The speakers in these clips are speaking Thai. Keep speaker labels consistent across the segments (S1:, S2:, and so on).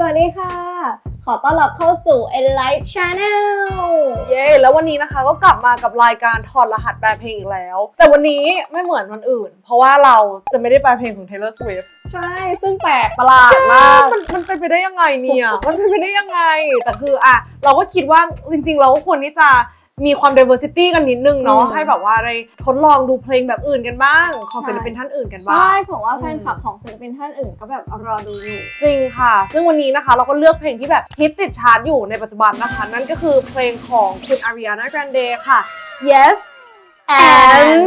S1: สวัสดีค่ะขอต้อนรับเข้าสู่ Enlight Channel
S2: เย้แล้ววันนี้นะคะก็กลับมากับรายการถอดรหัสแปลเพลงอีกแล้วแต่วันนี้ไม่เหมือนวันอื่นเพราะว่าเราจะไม่ได้แปลเพลงของ Taylor Swift
S1: ใช่ซึ่งแปลกประหลาดมาก
S2: มันเป็นไปได้ยังไงเนี่ยมันเป็นไปได้ยังไงแต่คือเราก็คิดว่าจริงๆเราก็ควรที่จะมีความ diversity กันนิดนึงเนาะให้แบบว่าได้ทดลองดูเพลงแบบอื่นกันบ้างของศิลปินท่านอื่นกันบ้าง
S1: ใช่เพราะว่าแฟนคลับของศิลปินท่านอื่นก็แบบรอดูอยู่
S2: จริงค่ะซึ่งวันนี้นะคะเราก็เลือกเพลงที่แบบฮิตติดชาร์ตอยู่ในปัจจุบันนะคะนั่นก็คือเพลงของคุณ Ariana Grande ค่ะ Yes and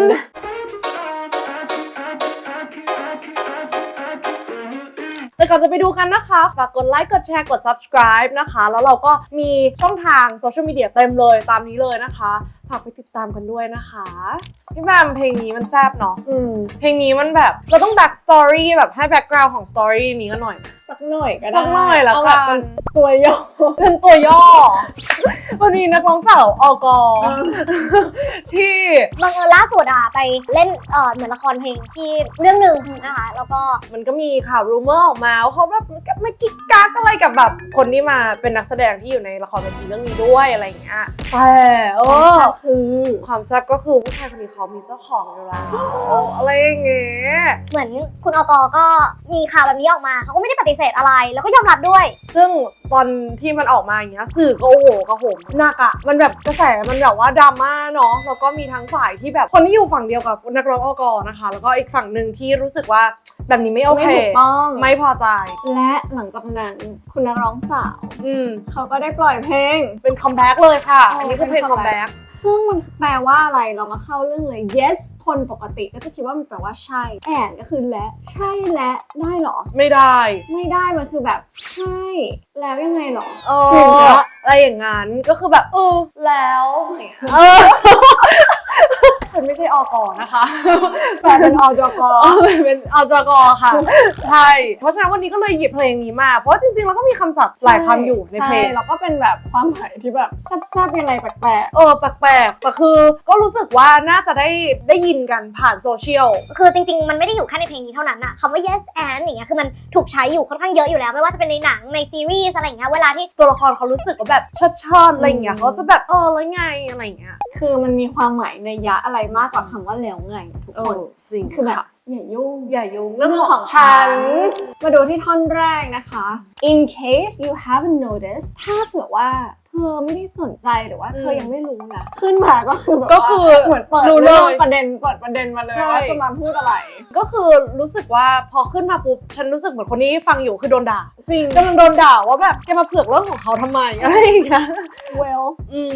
S2: แต่ก่อนจะไปดูกันนะคะฝากกดไลค์กดแชร์กด subscribe นะคะแล้วเราก็มีช่องทางโซเชียลมีเดียเต็มเลยตามนี้เลยนะคะฝากไปติดตามกันด้วยนะคะพี่แบมเพลงนี้มันแซ่บเนาะเพลงนี้มันแบบเราต้อง back story แบบให้ background ของ story นี้กันหน่อย
S1: สักหน่อยก็ได้
S2: สักหน่อยแล้วกัน
S1: ตัวย่อ
S2: เป็นตัวย่อวันนี้นักร้องสาวอกที่
S3: บังเอิญล่าสุดไปเล่นเหมือนละครเพลงที่เรื่องหนึ่งนะคะแล้วก็
S2: มันก็มีข่าวรูเมอร์ออกมาว่าเขาแบบมากิ๊กกักอะไรกับแบบคนที่มาเป็นนักแสดงที่อยู่ในละครเวทีเรื่องนี้ด้วยอะไรอย่างเงี้ยแต่ความแซ่บก็คือผู้ชายคนนี้เขามีเจ้าของอยู่แล้วอะไรอย่างเงี้ย
S3: เหมือนคุณอกก็มีข่าวแบบนี้ออกมาเขาก็ไม่ได้ปฏิเสธอะไรแล้วก็ยอมรับด้วย
S2: ซึ่งตอนที่มันออกมาอย่างเงี้ยสื่อก็โอ้โหกระหมหนักมันแบบกระแสมันแบบว่าดราม่าเนาะแล้วก็มีทั้งฝ่ายที่แบบคนที่อยู่ฝั่งเดียวกับนักร้องอกนะคะแล้วก็อีกฝั่งหนึ่งที่รู้สึกว่าแบบนี้ไม่โอเคไม่พอใจ
S1: และหลังจากนั้นคุณนักร้องสาวเขาก็ได้ปล่อยเพลง
S2: เป็นคัมแบ็กเลยค่ะอันนี้คือเพลงคัมแบ็ก
S1: ซึ่งมันแปลว่าอะไรเรามาเข้าเรื่องเลย yes คนปกติก็จะคิดว่ามันแปลว่าใช่ and ก็คือและใช่และได้หรอ
S2: ไม่ได้
S1: มันคือแบบใช่แล้วยังไงหรอ
S2: อะไรอย่างงั้นก็คือแบบแล้วฉันไม่ใช่อกนะคะ
S1: แต่เป็นอจก
S2: เป็นอจกค่ะใช่เพราะฉะนั้นวันนี้ก็เลยหยิบเพลงนี้มาเพราะจริงๆแล้วก็มีคำศัพท์หลายคำอยู่ในเพลง
S1: แล้วก็เป็นแบบความหมายที่แบบแซ่บๆยังไงแปลก
S2: แปลกแต่คือก็รู้สึกว่าน่าจะได้ยินกันผ่านโซเชียล
S3: คือจริงๆมันไม่ได้อยู่แค่ในเพลงนี้เท่านั้นคำว่า yes and อย่างเงี้ยคือมันถูกใช้อยู่ค่อนข้างเยอะอยู่แล้วไม่ว่าจะเป็นในหนังในซีรีส์อะไรอย่างเงี้ยเวลาที่
S2: ตัวละครเขารู้สึกว่าแบบชอบอะไรอย่างเงี้ยเขาจะแบบแล้วไงอะไรอย่างเงี้ย
S1: คือมันมีความหมายในยะอะไรมากกว่าคำว่าแล้วไงทุกคน
S2: จริง
S1: คือแบบอย่ายุ่ง
S2: เรื่องของฉัน
S1: มาดูที่ท่อนแรกนะคะ in case you haven't noticed ถ้าเผื่อว่าเธอไม่ได้สนใจหรือว่าเธอยังไม่รู้นะขึ้นมาก็คือแบบเหมือนเปิดเรื่องประเด็นมาเลยว่าจะมาพูดอะไร
S2: ก็คือรู้สึกว่าพอขึ้นมาปุ๊บฉันรู้สึกเหมือนคนนี้ฟังอยู่คือโดนด่า
S1: จริง
S2: กำลังโดนด่าว่าแบบแกมาเผือกเรื่องของเขาทำไมอะไรอย่างเงี้ย
S1: well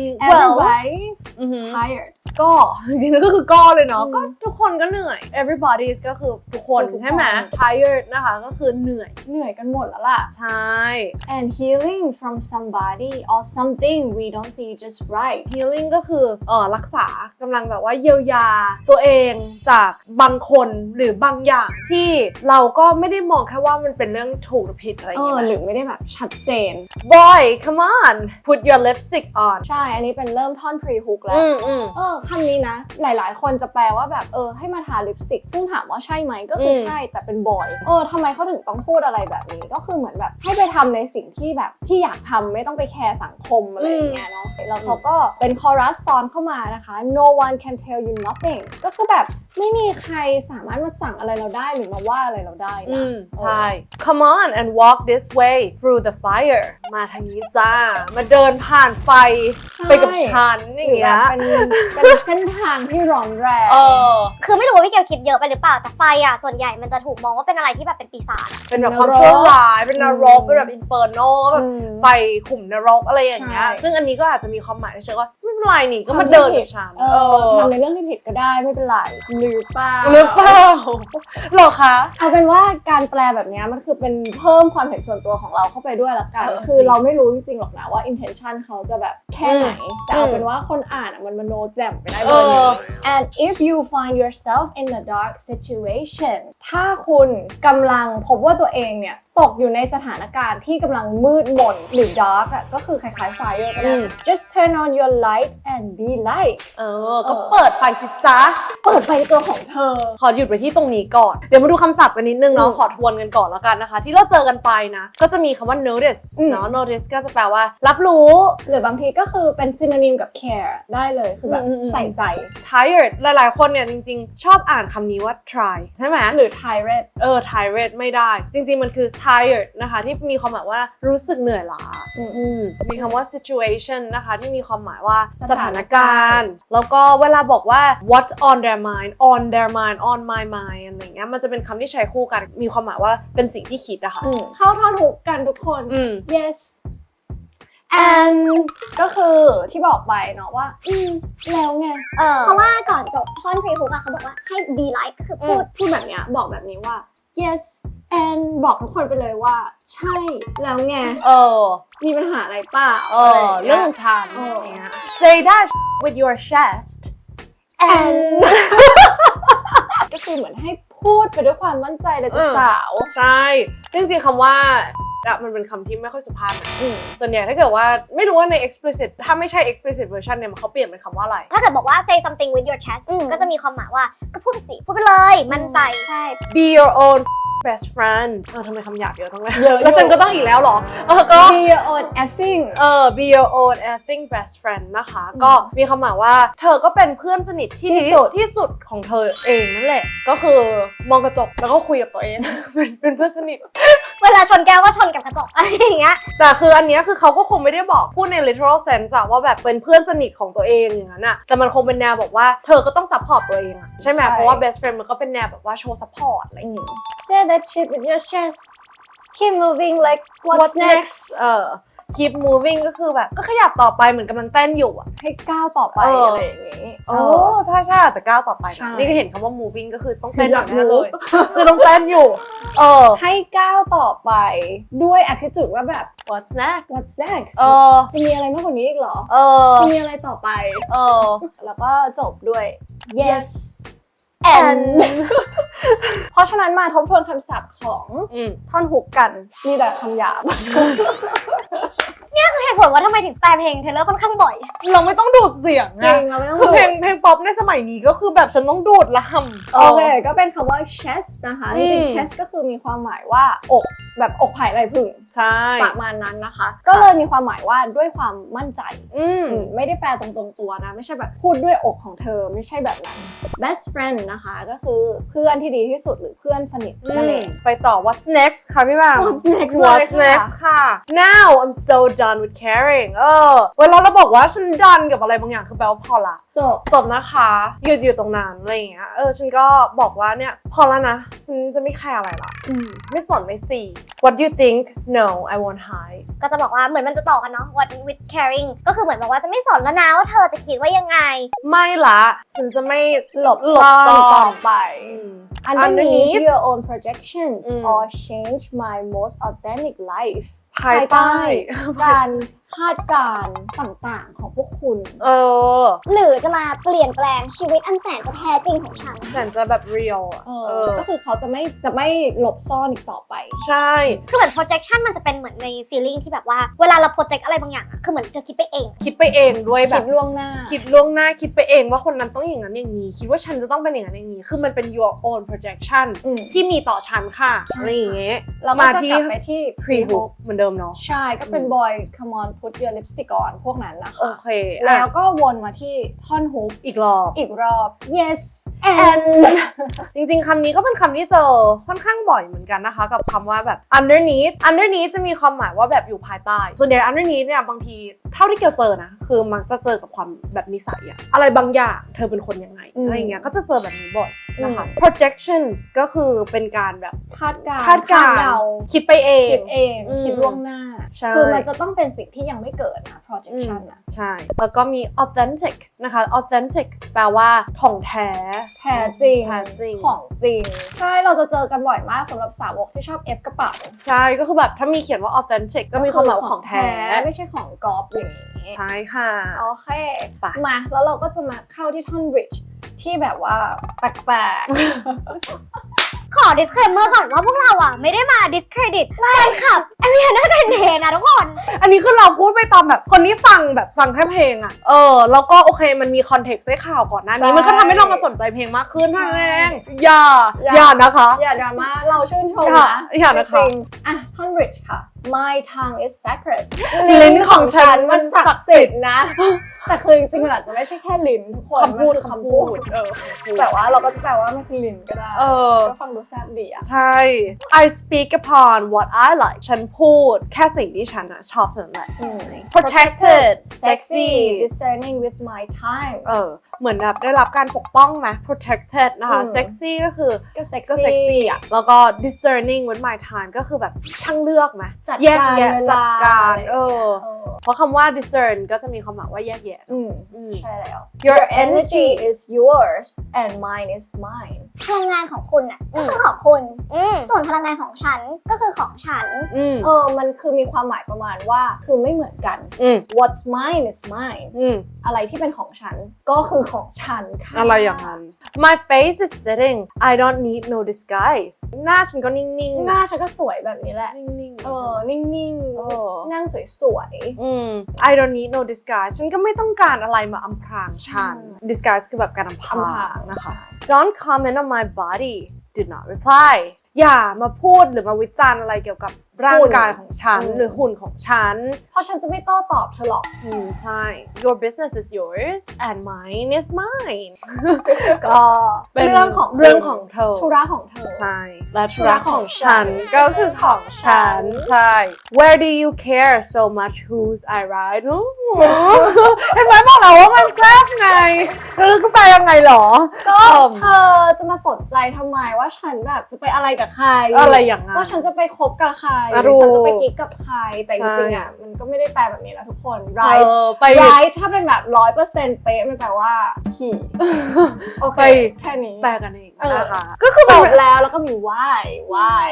S1: everybody's tired
S2: ก็จริงๆก็คือก็เลยเนาะก็ทุกคนก็เหนื่อย everybody's ก็คือทุกคนใช่ไหม tired นะคะก็คือเหนื่อย
S1: กันหมดแล้วล่ะ
S2: ใช่
S1: and healing from somebody or something we don't see just right
S2: healing ก็คือรักษากำลังแบบว่าเยียวยาตัวเองจากบางคนหรือบางอย่างที่เราก็ไม่ได้มองแค่ว่ามันเป็นเรื่องถูกหรือผิดอะไรอย่างเงี้ย
S1: หรือไม่ได้แบบชัดเจน
S2: boy come on put your lipstick on
S1: ใช่อันนี้เป็นเริ่มท่อน pre hook แล้วคำนี้นะหลายๆคนจะแปลว่าแบบให้มาทาลิปสติกซึ่งถามว่าใช่ไหมก็คือใช่แต่เป็นบอยทำไมเขาถึงต้องพูดอะไรแบบนี้ก็คือเหมือนแบบให้ไปทำในสิ่งที่แบบที่อยากทำไม่ต้องไปแคร์สังคมอะไรอย่างเงี้ยเนาะแล้วเขาก็เป็นคอรัสซ้อนเข้ามานะคะ no one can tell you nothing ก็คือแบบไม่มีใครสามารถมาสั่งอะไรเราได้หรือมาว่าอะไรเราได้นะ
S2: ใช่ come on and walk this way through the fire มาทางนี้จ้ามาเดินผ่านไฟไปกับฉันอย่างเงี้ย
S1: เป็นเส้นทางที่ร้อนแรง
S3: คือไม่รู้ว่าพี่เกียวคิดเยอะไปหรือเปล่าแต่ไฟส่วนใหญ่มันจะถูกมองว่าเป็นอะไรที่แบบเป็นปีศาจ
S2: เป็นแบบความชั่วร้ายเป็นนรกเป็นแบบอินเฟอร์โนแบบไฟขุมนรกอะไรอย่างเงี้ยซึ่งอันนี้ก็อาจจะมีความหมายในเชิงว่าไม่เป็นไรนี่ก็มาเดินกับฉัน
S1: ทำในเรื่องที่ผิดก็ได้ไม่เป็นไรหรือเปล่า
S2: หรอคะ
S1: เอาเป็นว่าการแปลแบบนี้มันคือเป็นเพิ่มความเห็นส่วนตัวของเราเข้าไปด้วยละกันคือเราไม่รู้จริงๆหรอกนะว่า intention เขาจะแบบแค่ไหนแต่เอาเป็นว่าคนอ่านมันมโนแจ่มไปได้เลย and if you find yourself in a dark situation ถ้าคุณกำลังพบว่าตัวเองเนี่ยตตกอยู่ในสถานการณ์ที่กำลังมืดมนหรือ dark อ่ะก็คือคล้ายๆ fire ก็ได้ just turn on your light and be light
S2: ก็เปิดไฟสิจ๊ะ
S1: เปิดไฟตัวของเธอ
S2: ขอหยุดไปที่ตรงนี้ก่อน เดี๋ยวมาดูคำศัพท์กันนิดนึงเนาะขอทวนกันก่อนแล้วกันนะคะ ที่เราเจอกันไปนะ ก็จะมีคำว่า notice เนาะ notice ก็จะแปลว่ารับรู้
S1: หรือบางทีก็คือเป็น synonym กับ care ได้เลยคือแบบใส่ใจ
S2: tired หลายๆคนเนี่ยจริงๆ ชอบอ่านคำนี้ว่า try ใช่ไหม
S1: หรือ tired
S2: tired ไม่ได้ จริงๆ มันคือ tired นะคะที่มีความหมายว่ารู้สึกเหนื่อยล้ามีคำว่า situation นะคะที่มีความหมายว่าสถานการณ์แล้วก็เวลาบอกว่า what's on their mind on their mind on my mind อะไรเงี้ยมันจะเป็นคำที่ใช้คู่กันมีความหมายว่าเป็นสิ่งที่คิดอะค่ะ
S1: เข้าท่อนฮุกกันทุกคน yes and ก็คือที่บอกไปเนาะว่าแล้วไง
S3: เพราะว่าก่อนจบท่อนพรีฮุกอะเขาบอกว่าให้ be like ก็คือพูด
S1: แบบเนี้ยบอกแบบนี้ว่า yes and บอกทุกคนไปเลยว่าใช่แล้วไงมีปัญหาอะไรเปล่า
S2: เรื่องฉันอย่างเงี้ย say that with your chest
S1: and ก็คือเหมือนให้พูดไปด้วยความมั่นใจเลยจ้ะสาว
S2: ใช่จริงๆคำว่ามันเป็นคำที่ไม่ค่อยสุภาพนะส่วนใหญ่ถ้าเกิดว่าไม่รู้ว่าใน explicit ถ้าไม่ใช่ explicit version เนี่ยเขาเปลี่ยนเป็นคำว่าอะไร
S3: ถ้าเกิดบอกว่า say something with your chest ก็จะมีความหมายว่าก็พูดไปสิพูดไปเลยมั่นใจใช่
S2: be your own best friend ทำไมคำหยาบเยอะจังเลยแล้วฉันก็ต้องอีกแล้วเหรอก็
S1: be your own effing
S2: be your own effing best friend นะคะก็มีคำหมายว่าเธอก็เป็นเพื่อนสนิทที่สุดของเธอเองนั่นแหละก็คือมองกระจกแล้วก็คุยกับตัวเอง เป็นเพื่อนสนิท
S3: เวลาชนแก้วก็ชนกับกระจกอะไรอย่างเงี้ย
S2: แต่คืออันเนี้ยคือเขาก็คงไม่ได้บอกพูดใน literal sense อะว่าแบบเป็นเพื่อนสนิทของตัวเองอย่างนั้นอะแต่มันคงเป็นแนวบอกว่าเธอก็ต้อง support ตัวเองอะใช่ไหมเพราะว่า best friend มันก็เป็นแนวแบบว่าโชว์ support อะไรอย่างเงี้ย
S1: say that shit with your chest keep moving like what's next
S2: keep moving ก็คือแบบก็ขยับต่อไปเหมือนกำลังเต้นอยู่อะ
S1: ให้ก้าวต่อไปอะไรอย่างงี้
S2: ใช่อาจจะก้าวต่อไปนะนี่ก็เห็นคำว่า moving ก็คือต้องเต้นแบบนี้เลยคือต้องเต้นอยู่
S1: ให้ก้าวต่อไปด้วย attitude ว่าแบบ
S2: what's next
S1: จะมีอะไรมากกว่านี้อีกเหรอจะมีอะไรต่อไปแล้วก็จบด้วย yes and เพราะฉะนั้นมาทบทวนคำศัพท์ของท่อนฮุกกันมีแต่คำหยาบ
S3: เนี่ยคือเหตุผลว่าทำไมถึงแปลเพลงเทเลอร์ค่อนข้างบ่อย
S2: เราไม่ต้องดูดเสียง
S1: จริงเราไม่ต้อง
S2: คือเพลงป๊อปในสมัยนี้ก็คือแบบฉันต้องดูดลำ
S1: โอเคก็เป็นคำว่า chest นะคะจริงๆ chest ก็คือมีความหมายว่าอกแบบอกไผ่ไรผึ่ง
S2: ใช่
S1: ประมาณนั้นนะคะก็เลยมีความหมายว่าด้วยความมั่นใจไม่ได้แปลตรงๆตัวนะไม่ใช่แบบพูดด้วยอกของเธอไม่ใช่แบบนั้น best friend นะคะก็คือเพื่อนที่ดีที่สุดหรือเพื่อนสนิทนั่นเอง
S2: ไปต่อ what's next ค่ะพี่บาง
S1: what's
S2: next ค่ะ now I'm so done with caring เวลาเราบอกว่าฉัน done กับอะไรบางอย่างคือแปลว่าพอละจบนะคะหยุดอยู่ตรงนั้นอะไรอย่างเงี้ยฉันก็บอกว่าเนี่ยพอแล้วนะฉันจะไม่แคร์อะไรละไม่สนไม่สี what do you think no I won't hide
S3: ก็จะบอกว่าเหมือนมันจะต่อกันเนาะ what with caring ก็คือเหมือนบอกว่าจะไม่สนแล้วนะว่าเธอจะคิดว่ายังไง
S2: ไม่ละฉันจะไม่หลบ
S1: ซ่อนต่อไป underneath your own projections or change my most authentic life
S2: ภายใต้
S1: การคาดการณ์ต่างๆของพวกคุณ
S3: หรือจะมาเปลี่ยนแปลงชีวิตอันแสนจะแท้จริงของฉัน
S2: แสนจะแบบ real
S1: ก็คือเขาจะไม่หลบซ่อนอีกต่อไป
S2: ใช่
S3: คือเหมือน projection มันจะเป็นเหมือนใน feeling ที่แบบว่าเวลาเรา project อะไรบางอย่างอะคือเหมือนเธอคิดไปเอง
S2: ด้วยแบบ
S1: คิดล่วงหน้า
S2: คิดไปเองว่าคนนั้นต้องอย่างนั้นอย่างนี้คิดว่าฉันจะต้องเป็นอย่างนั้นอย่างนี้คือมันเป็น your own projection ที่มีต่อฉันค่ะอะไรอย่างเงี้ย
S1: เรามาที่กลับไปที่
S2: pre-hook เหมือนเดิมเนาะ
S1: ใช่ก็เป็น boy come on put your lipstick on พวกนั้นนะคะ
S2: โอเค
S1: แล้วก็วนมาที่ท่อนฮุก
S2: อีกรอบ
S1: yes and
S2: จริงๆคำนี้ก็เป็นคำที่เจอค่อนข้างบ่อยเหมือนกันนะคะกับคำว่าแบบ underneath จะมีความหมายว่าแบบอยู่ภายใต้ส่วนใหญ่ underneath เนี่ยบางทีเท่าที่เกี่ยวเจอนะคือมักจะเจอกับความแบบนิสัยอะอะไรบางอย่างเธอเป็นคนยังไงอะไรเงี้ยก็จะเจอแบบนี้บ่อยนะคะ projections ก็คือเป็นการแบบ
S1: คาดการณ์
S2: คิดไปเอง
S1: คิดล่วงหน้าคือมันจะต้องเป็นสิ่งที่ยังไม่เกิดนะ projection นะ
S2: ใช่แล้วก็มี authentic นะคะ authentic แปลว่าของแท้
S1: จริงของจริงใช่เราจะเจอกันบ่อยมากสำหรับสาวกที่ชอบ F กระเป๋า
S2: ใช่ก็คือแบบถ้ามีเขียนว่า authentic ก็มีความหมายของแท้
S1: ไม่ใช่ของก๊อปอย่างนี้
S2: ใช่ค่ะ
S1: โอเคมาแล้วเราก็จะมาเข้าที่ท่อน bridge ที่แบบว่าแปลกๆ
S3: ขอ disclaimer ก่อนว่าพวกเราอ่ะไม่ได้มา discredit แฟนคลับไอวีน่าเดนเทนะทุกคน
S2: อันนี้คือเราพูดไปตามแบบคนที่ฟังแค่เพลงอะแล้วก็โอเคมันมีคอนเทกต์ให้ข่าวก่อนหน้านี้มันก็ทำให้เรามาสนใจเพลงมากขึ้นนั่นเองอย่านะคะ
S1: อย่าดราม่าเราชื่นชมนะ
S2: อย่านะคะ
S1: จริงๆอ่ะท่อน Rich ค่ะ My tongue is sacred
S2: ลิ้นของฉันมันศั
S1: ศั
S2: ก
S1: ก
S2: ดิ์
S1: ดิ์
S2: สิ
S1: สิ
S2: ท
S1: ท
S2: ธิ์
S1: ธิ์นะ แต่คือจริงๆมันอาจจะไม่ใช่แค่ลิ้นทุกคน
S2: คำพูด
S1: มันคือคำพูด แต่ว่าเราก็จะแปลว่ามันคือลิ้นก็ได้ ก็ฟังดูแซ่บดีอ่ะ
S2: ใช่ I speak upon what I like ฉันพูดแค่สิ่งที่ฉันชอบเท่านั้นแหละ Protected sexy
S1: discerning with my time
S2: เหมือนแบบได้รับการปกป้องไหม protected นะคะ sexy ก็คือ
S1: ก็เซ็ก
S2: ก็ sexy
S1: ซี่
S2: อ่ะ แล้วก็ discerning with my time ก็คือแบบช่างเลือกไหม
S1: จัด
S2: แยก
S1: การ
S2: แยะ
S1: เว
S2: จั
S1: ลา
S2: ดการ
S1: อะไรอย่างเงี้ย
S2: เพราะคำว่า discern ก็จะมีความหมายว่าแยกแยะ
S1: ใช่แล้ว Your energy is yours and mine is mine
S3: พลังงานของคุณอ่ะก็คือของคุณส่วนพลังงานของฉันก็คือของฉัน
S1: มันคือมีความหมายประมาณว่าคือไม่เหมือนกัน What's mine is mine อะไรที่เป็นของฉันก็คือของฉันค่ะ
S2: อะไรอย่างนั้น My face is sitting I don't need no disguise หน้าฉันก็นิ่งๆ
S1: หน้าฉันก็สวยแบบนี้แหละ
S2: นิ่งๆ
S1: นิ่งๆ นั่งสวย
S2: I don't need no disguise ฉันก็ไม่ต้องการอะไรมาอำพรางฉัน disguise คือแบบการอำพรางนะคะ Don't comment on my body do not reply อย่ามาพูดหรือมาวิจารณ์อะไรเกี่ยวกับร่างกายของฉันหรือหุ่นของฉัน
S1: เพราะฉันจะไม่โต้ตอบเธอหรอก
S2: ใช่ Your business is yours and mine is mine ก็เป็นเรื่องของเธอ
S1: ธุระของเธอ
S2: ใช่ และธุระของฉันก็คือของฉัน ใช่ Where do you care so much whose I ride เห็นไหมบอกแล้วว่ามันแซ่บไงแล้วก็ไปยังไงหรอ
S1: ก็เธอจะมาสนใจทำไมว่าฉันแบบจะไปอะไรกับใคร
S2: อะไรอย่างนั้น
S1: ว่าฉันจะไปคบกับใคร
S2: อ่ะ
S1: หรือฉันจะไป
S2: รู้
S1: กิ๊กกับใคร แต่จ
S2: ใช่
S1: ริงๆอ่ะมันก็ไม่ได้แปลแบบนี้นะทุกคน
S2: ไป
S1: right ถ้าเป็นแบบ 100% เป๊ะมันแปลว่าขี่โอเค
S2: ไป
S1: แค่นี้
S2: แปลกันเอง
S1: เออ
S2: นะคะก็คือ
S1: จ
S2: เป็น
S1: บแล้วก็มี why
S2: ว้าย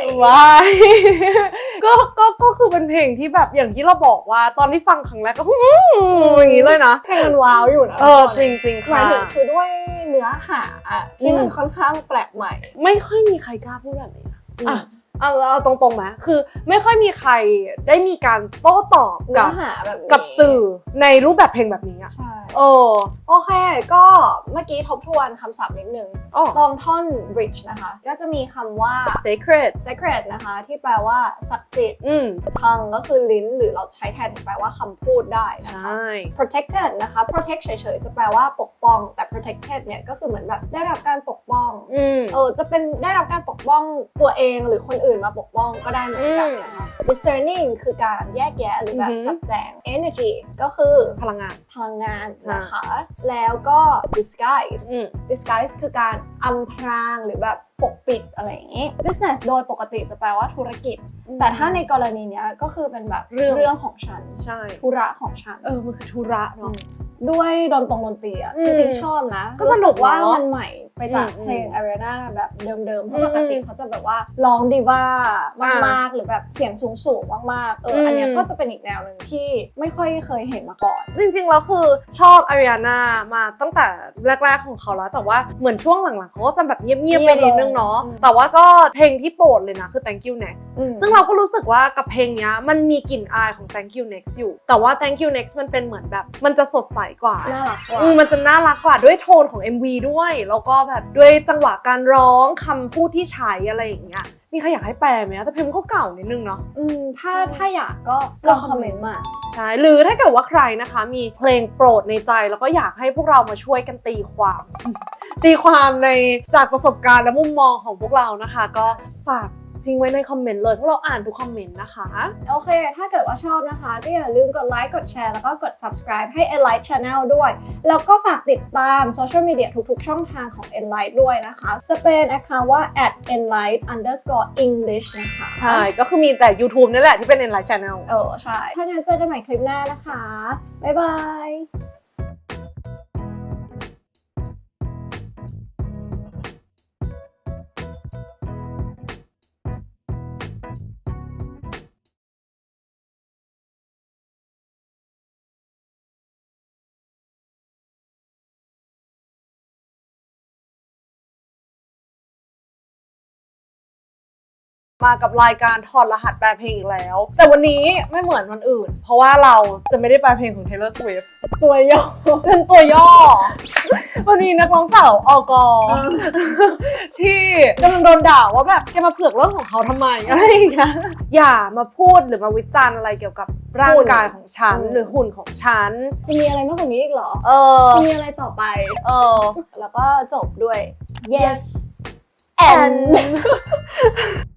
S2: ก็คือเป็นเพลงที่แบบอย่างที่เราบอกว่าตอนที่ฟังครั้งแรกก็อย่างนี้เลยนะ
S1: เพลงมันว้าวอยู่นะ
S2: จริงๆ
S1: หมา
S2: ค่ะ
S1: ยถึงคือด้วยเนื้อหาอะที่มันค่อนข้างแปลกใหม่
S2: ไม่ค่อยมีใครกล้าพูดแบบนี้นะเอาตรงๆไหมคือไม่ค่อยมีใครได้มีการโต้ตอบ
S1: เนื้อหาแบบนี้
S2: กับสื่อในรูปแบบเพลงแบบนี้อ่ะ
S1: ใช่
S2: โ
S1: โอเค ก็เมื่อกี้ทบทวนคำศัพท์นิดนึง
S2: อ้
S1: ตรงท่อน rich นะคะ ก็จะมีคำว่า
S2: sacred
S1: sacred นะคะ ที่แปลว่าศักดิ์สิทธิ์ tongue ก็คือลิ้น หรือเราใช้แทนแปลว่าคำพูดได้นะ
S2: ใช
S1: คะ
S2: ่
S1: protected นะคะ protect เฉยๆ จะแปลว่าปกป้อง แต่ protected เนี่ยก็คือเหมือนแบบได้รับการปกป้อง จะเป็นได้รับการปกป้องตัวเองหรือคนอื่นมาปกป้องก็ได้เหมือนกันนะคะ discerning คือการแยกแยะหรือแบบจัดแจง energy ก็คือ
S2: พลังงาน
S1: พลังงานนะคะ แล้วก็ disguise disguise คือการอำพรางหรือแบบปกปิดอะไรอย่างนี้ business โดยปกติจะแปลว่าธุรกิจ แต่ถ้าในกรณีเนี้ยก็คือเป็นแบบเรื่องของฉัน
S2: ใช่
S1: ธุระของฉัน
S2: มันคือธุระเนาะ
S1: ด้วยดนตรีอ่ะจริงๆชอบนะ
S2: ก็สนุก
S1: รู้ว่า
S2: เนอะ
S1: มันใหม่ไปจากเพลง Ariana แบบเดิมๆ เพราะปกติเขาจะแบบว่าร้องดิว่ามากๆ หรือแบบเสียงสูงๆ มากๆ อันเนี้ยก็จะเป็นอีกแนวหนึ่งที่ไม่ค่อยเคยเห็นมาก่อน
S2: จริงๆแล้วคือชอบอาริอาน่ามาตั้งแต่แรกๆของเขาแล้วแต่ว่าเหมือนช่วงหลังๆเขาก็จะแบบเงียบๆไปนิดนึงเนาะแต่ว่าก็เพลงที่โปรดเลยนะคือ Thank You Next ซึ่งเราก็รู้สึกว่ากับเพลงเนี้ยมันมีกลิ่นอายของ Thank You Next อยู่แต่ว่า Thank You Next มันเป็นเหมือนแบบมันจะสดใสกว่า
S1: น่ารักกว่า
S2: มันจะน่ารักกว่าด้วยโทนของ MV ด้วยแล้วก็แบบด้วยจังหวะการร้องคำพูดที่ใช้อะไรอย่างเงี้ยมีใครอยากให้แปลไหมแต่เพลงมันก็เก่านิดนึงเนาะ
S1: ถ้าอยากก็ลองคอมเมนต์มา
S2: ใช่หรือถ้าเกิดว่าใครนะคะมีเพลงโปรดในใจแล้วก็อยากให้พวกเรามาช่วยกันตีความ ตีความในจากประสบการณ์และมุมมองของพวกเรานะคะ ก็ฝากทิ้งไว้ในคอมเมนต์เลยพวกเราอ่านทุกคอมเมนต์นะคะ
S1: โอเค ถ้าเกิดว่าชอบนะคะ ก็อย่าลืมกดไลค์ กดแชร์ แล้วก็กด subscribe ให้ Enlight Channel ด้วย แล้วก็ฝากติดตามโซเชียลมีเดียทุกๆ ช่องทางของ Enlight ด้วยนะคะ จะเป็น account ว่า @enlight_english นะคะ
S2: ใช่ก็คือมีแต่ YouTube นี่แหละที่เป็น Enlight Channel
S1: ใช่ ถ้างั้นเจอกันใหม่คลิปหน้านะคะ บ๊ายบาย
S2: มากับรายการถอดรหัสแปลเพลงอีกแล้ว แต่วันนี้ไม่เหมือนวันอื่น เพราะว่าเราจะไม่ได้แปลเพลงของ Taylor Swift
S1: ตัวย่อ
S2: เป็นตัวย่อ วันนี้นักร้องสาวอกที่กำลังโดนด่าว่าแบบแกมาเผือกเรื่องของเขาทำไมอะไรอย่างเงี้ยอย่ามาพูดหรือมาวิจารณ์อะไรเกี่ยวกับร่างกายของฉันหรือหุ่นของฉัน
S1: จะมีอะไรมากกว่านี้อีกเหรอ จะมีอะไรต่อไป แล้วก็จบด้วย yes and